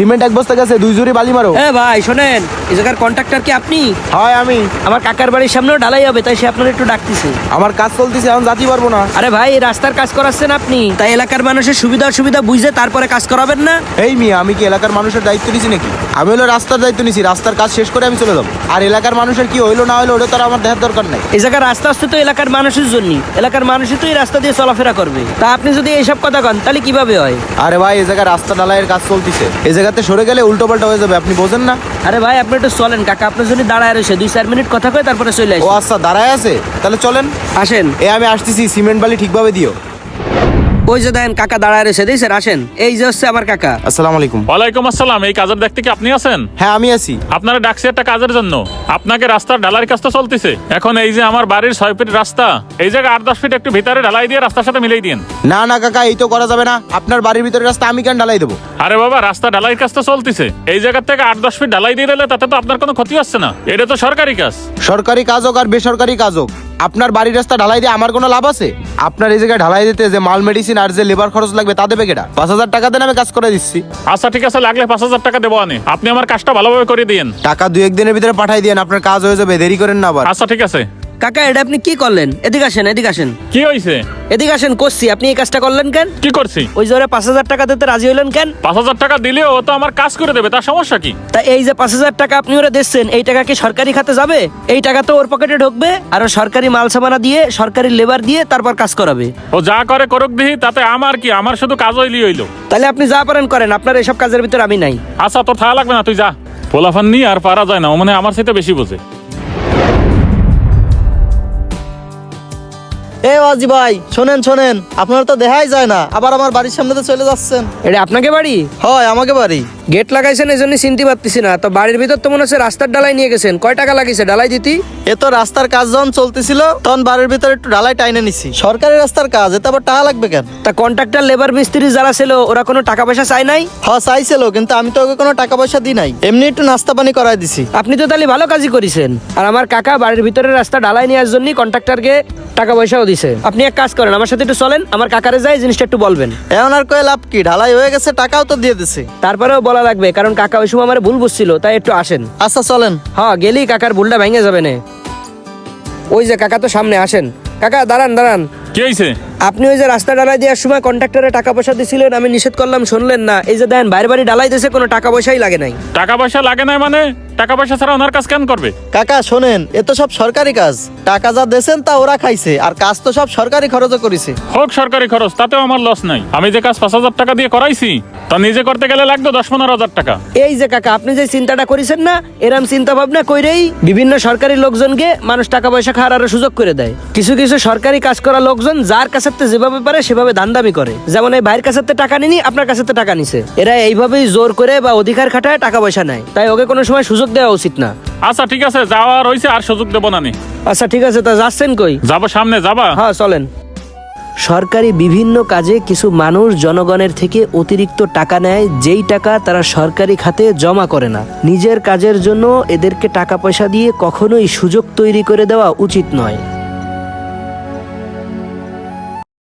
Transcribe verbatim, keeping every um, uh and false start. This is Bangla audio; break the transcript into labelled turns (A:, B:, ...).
A: সিমেন্ট এক বস্তা গেছে, দুই জুড়ি বালি মারো।
B: হ্যাঁ ভাই শোনেন, এই জায়গার কন্ট্রাক্টর কি আপনি?
A: হয় আমি।
B: আমার কাকার বাড়ির সামনেও ঢালাই হবে, তাই সে আপনার একটু ডাকতেছে।
A: আমার কাজ চলতেছে, এখন যাতে পারবো না।
B: আরে ভাই, এই রাস্তার কাজ করাচ্ছেন আপনি, তাই এলাকার মানুষের সুবিধা অসুবিধা বুঝে তারপরে কাজ করাবেন না?
A: এই মিয়া, আমি কি এলাকার মানুষের দায়িত্ব নিছি নাকি? আমি হলো রাস্তার দায়িত্ব নিছি, রাস্তার কাজ শেষ করে আমি চলে যাবো। আর এলাকার মানুষের কি হইলো না হইলো ওটা তো আর আমার দেখার দরকার নাই।
B: এই জায়গার রাস্তা আসতে তো এলাকার মানুষের জন্য, এলাকার মানুষই তো এই রাস্তা দিয়ে চলাফেরা করবে। তা আপনি যদি এইসব কথা কন তাহলে কিভাবে হয়?
A: আরে ভাই, এই জায়গায় রাস্তা ঢালাইয়ের কাজ চলতেছে, এই জায়গাতে সরে গেলে উল্টো পাল্টা হয়ে যাবে, আপনি বোঝেন না?
B: আরে ভাই আপনি একটু চলেন, কাকা আপনার জন্য দাঁড়ায় রয়েছে, দুই চার মিনিট কথা কয়ে তারপরে চলে
A: ও
B: আসি।
A: আচ্ছা, দাঁড়ায় আছে, তাহলে চলেন।
B: আসেন।
A: এ আমি আসতেছি, সিমেন্ট বালি ঠিকভাবে দিও।
B: ওই যে দেখেন কাকা দাঁড়ায় রয়েছে, দেখছেন? আসেন, এই যে হচ্ছে আমার কাকা।
A: আসসালামু আলাইকুম।
C: ওয়ালাইকুম আসসালাম। এই কাজের দেখতে কি আপনি আছেন?
A: হ্যাঁ আমি আছি।
C: আপনারা ডাকছি একটা কাজের জন্য। আপনাকে রাস্তার ঢালাইয়ের কাজটা চলতেছে এখন। এই যে আমার বাড়ির ছয় ফিট রাস্তা, এই জায়গায় আট দশ ফিট একটু ভিতরে ঢালাই দিয়ে রাস্তার সাথে মিলাই দিন।
A: না না কাকা, এই তো করা যাবে না। আপনার বাড়ির ভিতরে রাস্তা আমি কেন ঢালাই দেবো?
C: আরে বাবা, রাস্তা ঢালাইয়ের কাজ তো চলতেছে, এই জায়গা থেকে আট দশ ফিট ঢালাই দিয়ে দিলে তাতে তো আপনার কোনো ক্ষতি হচ্ছে না। এটা তো সরকারি কাজ।
A: সরকারি কাজ হোক আর বেসরকারি কাজ হোক, আপনার বাড়ির রাস্তা ঢালাই দিয়ে আমার কোনো লাভ আছে? আপনার এই জায়গায় ঢালাই দিতে যে মাল মেডিসিন আর যে লেবার খরচ লাগবে তা দেবে কেটা? পাঁচ হাজার টাকা দেন, আমি কাজ করে দিচ্ছি।
C: আচ্ছা ঠিক আছে, লাগলে পাঁচ হাজার টাকা দেবো আনে। আপনি আমার কাজটা ভালোভাবে করে দিন।
A: টাকা দু একদিনের ভিতরে পাঠাই দিন, আপনার কাজ হয়ে যাবে, দেরি করেন না আবার।
C: আচ্ছা ঠিক আছে।
B: কাকা এটা আপনি কি করলেন? এদিকে আসেন, এদিকে আসেন।
C: কি হয়েছে?
B: এদিকে আসেন, করছি। আপনি এই কাজটা করলেন কেন?
C: কি করছি?
B: ওই জোরে পাঁচ হাজার টাকা দিতে রাজি হইলেন কেন?
C: পাঁচ হাজার টাকা দিলেও ও তো আমার কাজ করে দেবে, তার সমস্যা কি?
B: তা এই যে পাঁচ হাজার টাকা আপনি ওরা দিচ্ছেন, এই টাকা কি সরকারি খাতে যাবে? এই টাকা তো ওর পকেটে ঢুকবে, আর ও সরকারি মাল সামানা দিয়ে, সরকারি লেবার দিয়ে তারপর কাজ করাবে।
C: ও যা করে করুক দিহি, তাতে আমার কি? আমার শুধু কাজ হইলি হইলো।
B: তাহলে আপনি যা পারেন করেন, আপনার এইসব কাজের ভিতরে আমি নাই।
C: আচ্ছা তোর থাকা লাগবে না, তুই যা। পোলাফান নিয়ে আর পারা যায় না, ও মানে আমার সাথে বেশি বোঝে।
D: এ ওয়াজি ভাই, শোনেন শোনেন, আপনারা তো দেখাই যায় না, আবার আমার বাড়ির সামনে তো চলে যাচ্ছেন।
B: এটা আপনাকে বাড়ি?
D: হয় আমাকে বাড়ি।
B: গেট লাগাইছেন এই জন্য চিনতে পারতেছি না, তো বাড়ির ভিতর তো মনে হচ্ছে রাস্তার ডালাই নিয়ে গেছেন। কয় টাকা লাগিয়েছে ডালাই দিতি?
D: এ তো রাস্তার কাজ যখন চলতেছিল তখন বাড়ির ভিতরে একটু ঢালাই টাইনে নিছি। সরকারি রাস্তার কাজ, এতে আবার টাকা লাগবে কেন?
B: তা কন্ট্রাক্টর লেবার মিস্ত্রি যারা ছিল ওরা কোনো টাকা পয়সা চায় নাই?
D: হ্যাঁ চাইছিল, কিন্তু আমি তো ওকে কোনো টাকা পয়সা দিই নাই, এমনি একটু নাস্তা পানি করাই দিছি।
B: আপনি তো তাহলে ভালো কাজই করেছেন। আর আমার কাকা বাড়ির ভিতরে রাস্তা ঢালাই নেওয়ার জন্য কন্ট্রাক্টরকে টাকা পয়সাও দিছে। আপনি এক কাজ করেন, আমার সাথে একটু চলেন, আমার কাকারে যাই জিনিসটা একটু বলবেন।
D: এমন আর কয়ে লাভ কি? ঢালাই হয়ে গেছে, টাকাও তো দিয়ে দিছে।
B: তারপরেও বলা লাগবে, কারণ কাকা ওই সময় আমার ভুল বুঝছিল, তাই একটু আসেন।
D: আচ্ছা চলেন।
B: হ্যাঁ গেলেই কাকার ভুলটা ভেঙে যাবে না। ওই যে কাকা তো সামনে, আসেন। কাকা দাঁড়ান দাঁড়ান।
C: কি হয়েছে?
B: আপনি ওই যে রাস্তা ডালাই দেওয়ার সময় কন্ট্রাক্টরে টাকা পয়সা দিছিলেন, আমি নিষেধ করলাম, শুনলেন না। এই যে দেন বাইরে বাড়ি ডালাই দিয়েছে, কোনো টাকা পয়সাই লাগে নাই।
C: টাকা পয়সা লাগে না মানে? টাকা পয়সা ছাড়া ওনার কাজ কেন করবে?
D: কাকা শোনেন, এ তো সব সরকারি কাজ, টাকা যা দেন তা ওরা খাইছে, আর কাজ তো সব সরকারি খরচও করেছে।
C: হোক সরকারি খরচ, তাতেও আমার লস নাই। আমি যে কাজ পাঁচ হাজার টাকা দিয়ে করাইছি, তা নিজে করতে গেলে লাগতো দশ পনেরো হাজার টাকা।
B: এই যে কাকা আপনি যে চিন্তাটা করেছেন না, এরম চিন্তা ভাবনা কইরেই বিভিন্ন সরকারি লোকজনকে মানুষ টাকা পয়সা খাওয়ার আরো সুযোগ করে দেয়। কিছু কিছু সরকারি কাজ করা লোকজন যার কাছে যেভাবে পারে সেভাবে দান্দামি করে। যেমন এই ভাইয়ের কাছে টাকা নিনি, আপনার কাছে টাকা নিছে, এরা এইভাবেই জোর করে বা অধিকার খাটায় টাকা পয়সা নেয়, তাই ওকে কোনো সময় সুযোগ দেওয়া উচিত না।
C: আচ্ছা ঠিক আছে, যাওয়ার হয়েছে, আর সুযোগ দেবো না নি।
B: আচ্ছা ঠিক আছে, তা যাচ্ছেন কই?
C: যাবো সামনে, যাবা?
B: হ্যাঁ চলেন। সরকারি বিভিন্ন কাজে কিছু মানুষ জনগণের থেকে অতিরিক্ত টাকা নেয়, যেই টাকা তারা সরকারি খাতে জমা করে না। নিজের কাজের জন্য এদেরকে টাকা পয়সা দিয়ে কখনোই সুযোগ তৈরি করে দেওয়া উচিত নয়।